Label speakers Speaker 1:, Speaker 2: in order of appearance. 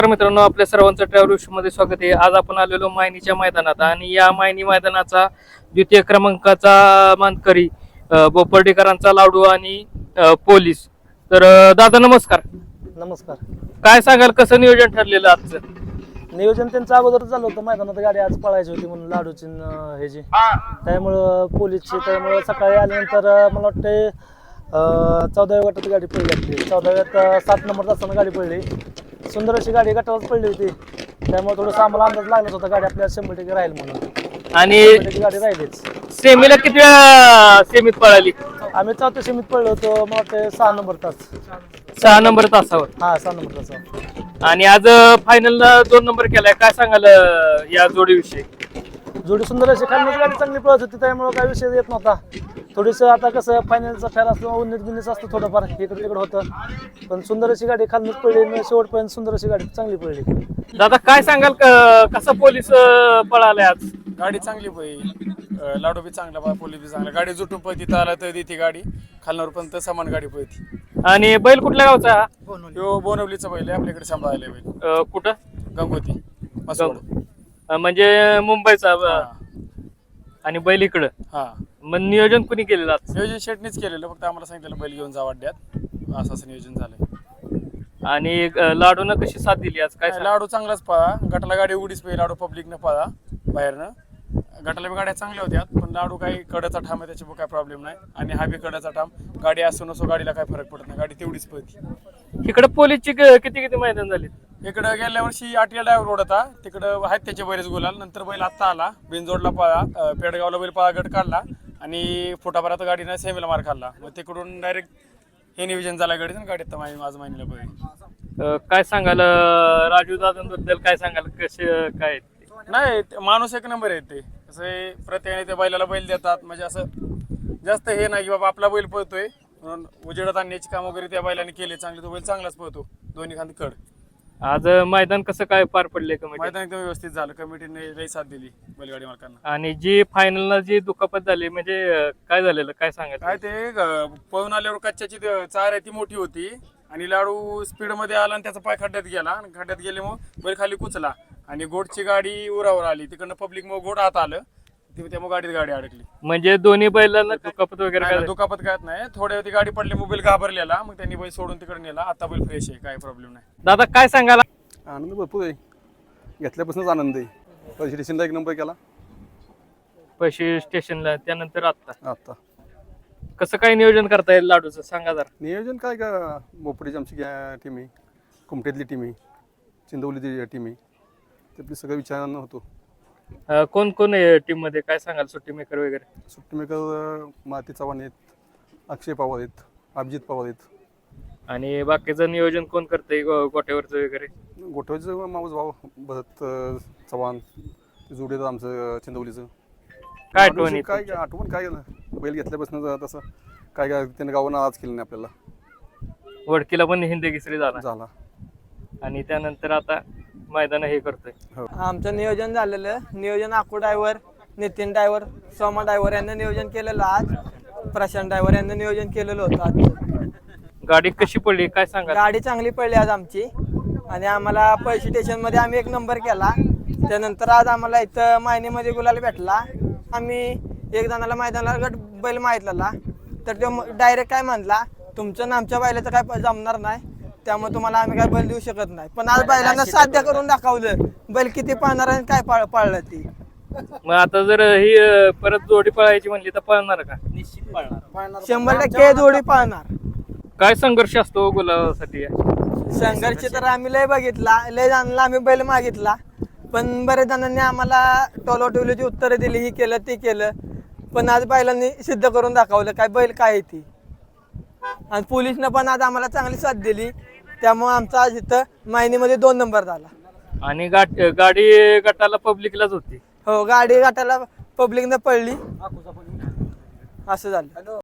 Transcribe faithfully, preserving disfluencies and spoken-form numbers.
Speaker 1: मित्रांनो, आपल्या सर्वांचं ट्रॅव्हल मध्ये स्वागत आहे। आज आपण आलेलो मायनीच्या मैदानात आणि या मायनी मैदानाचा द्वितीय क्रमांकाचा मानकरी बोपर्डीकरांचा लाडू आणि पोलीस। तर दादा नमस्कार।
Speaker 2: नमस्कार।
Speaker 1: काय सांगाल, कसं नियोजन ठरलेलं आजचं?
Speaker 2: नियोजन त्यांचं अगोदर झालं होतं, मैदानात गाडी आज पळायची होती म्हणून लाडूची हे जी त्यामुळं पोलीसची, त्यामुळं सकाळी आल्यानंतर मला वाटते चौदाव्या गटात गाडी पडली आपली। चौदाव्यात सात नंबर असताना गाडी पडली, सुंदर अशी गाडी गटावरच पडली होती, त्यामुळे थोडंसं आम्हाला अंदाज लागलाच होता गाडी आपल्याला शंभर टक्के राहील म्हणून।
Speaker 1: आणि
Speaker 2: गाडी राहिलीच।
Speaker 1: सेमीला किती वेळा सेमीत पळाली?
Speaker 2: आम्ही चौथ्या सेमीत पडलो होतो, मला वाटतं सहा नंबर तास
Speaker 1: सहा नंबर तासावर।
Speaker 2: हा सहा नंबर तासावर।
Speaker 1: आणि आज फायनलला दोन नंबर केलाय, काय सांगाल या जोडीविषयी?
Speaker 2: जोडी सुंदर अशी, खालनच गाडी चांगली पळत होती, त्यामुळे काही विषय येत नव्हता। थोडीसं आता कसं फायनलचा फेर असतो, उन्नीत बिन्नीस असतं थोडंफार, इकडे तिकडे होतं, पण सुंदर अशी गाडी खालनच पडली, शेवटपर्यंत सुंदर अशी गाडी चांगली पडली।
Speaker 1: दादा काय सांगाल, कसा पोलीस पळालाय आज?
Speaker 3: गाडी चांगली पळली, लाडू बी चांगला, पोलीस बी चांगला, गाडी जुटून पळती, आला तर ती गाडी खालनावर पण समान गाडी पळती।
Speaker 1: आणि बैल कुठल्या गावचा हा?
Speaker 3: यो बोनवलीचा बैल आहे, आपल्याकडे सांभाळायला बैल।
Speaker 1: अं, कुठं?
Speaker 3: गंगोती
Speaker 1: अं, म्हणजे मुंबईचा। आणि बैल इकडं?
Speaker 3: हा।
Speaker 1: मग नियोजन कुणी केलेलं आज?
Speaker 3: नियोजन शेटनीच केलेलं, फक्त आम्हाला सांगितलं बैल घेऊन जा वाड्यात, असं असं नियोजन झालंय।
Speaker 1: आणि लाडून कशी साथ दिली आज, काय?
Speaker 3: लाडू चांगलाच पळा, गटाला गाडी उडीच पाहिजे, लाडू पब्लिकनं पळा बाहेरनं, गटाला बी गाड्या चांगल्या होत्या, पण लाडू काही कड्याचा ठाम आहे, त्याच्यामुळे काय प्रॉब्लेम नाही। आणि हा बी कड्याचा ठाम, गाडी असो नसो गाडीला काय फरक पडत नाही, गाडी तेवढीच पळती।
Speaker 1: इकडे पोलीसची किती किती मैदान झाली?
Speaker 3: इकडं गेल्या वर्षी आठव्या ड्रायव्हर रोड होता, तिकडं आहेत त्याचे बरेच गुलाल, नंतर बैल आत्ता आला, बिनजोडला पळा, पेडगावला बैल पळा गट काढला, आणि फुटाभरात गाडीनं सेमीला मार खाल्ला, मग तिकडून डायरेक्ट हे नियोजन झालं गाडीचं, गाडीत माझं माहिनीला बैल।
Speaker 1: काय सांगाल राजू दादांबद्दल, काय सांगाल, कसे काय?
Speaker 3: नाही, माणूस एक नंबर आहे ते, असं प्रत्येकाने त्या बैलाला बैल देतात, म्हणजे असं जास्त हे नाही की बाबा आपला बैल पळतोय म्हणून उजेडात आणण्याची काम वगैरे त्या बैलाने केले चांगले, तो बैल चांगलाच पळतो, दोन्ही खांदी कड।
Speaker 1: आज मैदान कसं काय पार पडले?
Speaker 3: मैदान एकदम व्यवस्थित झालं, कमिटीने लई साथ दिली बैलगाडी मालकांना।
Speaker 1: आणि जी फायनलला जी दुखापत झाली, म्हणजे काय झालेलं, काय सांगाल?
Speaker 3: काय ते पळून आल्यावर कच्च्याची चार आहे ती मोठी होती, आणि लाडू स्पीड मध्ये आला आणि त्याचा पाय खड्ड्यात गेला, आणि खड्ड्यात गेले मग बैल खाली कुचला, आणि गोडची गाडी उरावर आली, तिकडनं पब्लिक मग गोड आत आलं, त्यामुळे गाडीत गाडी अडकली।
Speaker 1: म्हणजे दोन्ही बैलांना दुखापत वगैरे काय?
Speaker 3: दुखापत काय नाही, थोड्या ती गाडी पडली, मग बैल घाबरलेला, मग त्यांनी बैल सोडून तिकडे नेला, आता बैल फ्रेश आहे, काय प्रॉब्लेम नाही।
Speaker 1: दादा काय सांगाल?
Speaker 4: आनंद भरपूर आहे, घेतल्यापासूनच आनंद आहे। पैसे स्टेशनला एक नंबर केला,
Speaker 1: पैसे स्टेशनला, त्यानंतर आता
Speaker 4: आता
Speaker 1: कसं काय नियोजन करता येईल लाडूचं, सांगा जरा।
Speaker 4: नियोजन काय का, बोपडीची आमची टीम आहे, कुमटेतली टीम आहे, चिंदवलीची टीम आहे, त्यातली सगळं विचारांना होतो।
Speaker 1: कोण कोण आहे टीम मध्ये, काय सांगाल? सुट्टी मेकर वगैरे?
Speaker 4: सुट्टी मेकर माती चव्हाण आहेत, अक्षय पवार आहेत, अभिजित पवार आहेत।
Speaker 1: आणि बाकीचं नियोजन कोण करतंय, गोट्यावरचं वगैरे?
Speaker 4: गोठवचं माऊस भाऊ भरत चव्हाण, जुडेचं आमचं चिंदवलीचं।
Speaker 1: काय आठवण?
Speaker 4: काय आठवण काय बैल घेतल्यापासून तसं काय काय त्याने गावानं आज केलं नाही आपल्याला,
Speaker 1: वडकीला पण हिंदी केसरी झाला
Speaker 4: झाला,
Speaker 1: आणि त्यानंतर आता मैदान हे करतोय।
Speaker 5: आमचं नियोजन झालेलं, नियोजन Aaku driver, Nitin driver, Soma driver यांनी नियोजन केलेलं, आज प्रशांत ड्रायव्हर यांनी नियोजन केलेलं होतं। आज
Speaker 1: गाडी कशी पडली, काय सांगा?
Speaker 5: गाडी चांगली पडली आज आमची, आणि आम्हाला पैसे स्टेशन मध्ये आम्ही एक नंबर केला, त्यानंतर आज आम्हाला इथं मायनीमध्ये गुलाल भेटला। आम्ही एक जणाला मैदानाला गट बैल माहितला, तर तो डायरेक्ट काय म्हणला, तुमचं ना आमच्या बैलाचं काय जमणार नाही, त्यामुळे तुम्हाला आम्ही काय बैल देऊ शकत नाही, पण आज बैलांना साध्य करून दाखवलं, बैल किती पाळणार आणि काय पाळ पाळलं ती।
Speaker 1: मग आता जर ही परत जोडी पळायची म्हणली तर पळणार का?
Speaker 5: निश्चित पळणार, शंभर टक्के जोडी पळणार।
Speaker 1: काय संघर्ष असतो गुलाबासाठी?
Speaker 5: संघर्ष तर आम्ही लय बघितला, लय जणांना आम्ही बैल मागितला, पण बरेच जणांनी आम्हाला टोलोटोलीची उत्तरं दिली, ही केलं ते केलं, पण आज बैलांनी सिद्ध करून दाखवलं काय बैल काय आहे ती, आणि पोलिसनं पण आज आम्हाला चांगली साथ दिली, त्यामुळे आमचा आज इथं मायनीमध्ये दोन नंबर झाला।
Speaker 1: आणि गाठ गाडी गटाला पब्लिकलाच होती?
Speaker 5: हो, गाडी गटाला पब्लिकनं पडली, असं झालं।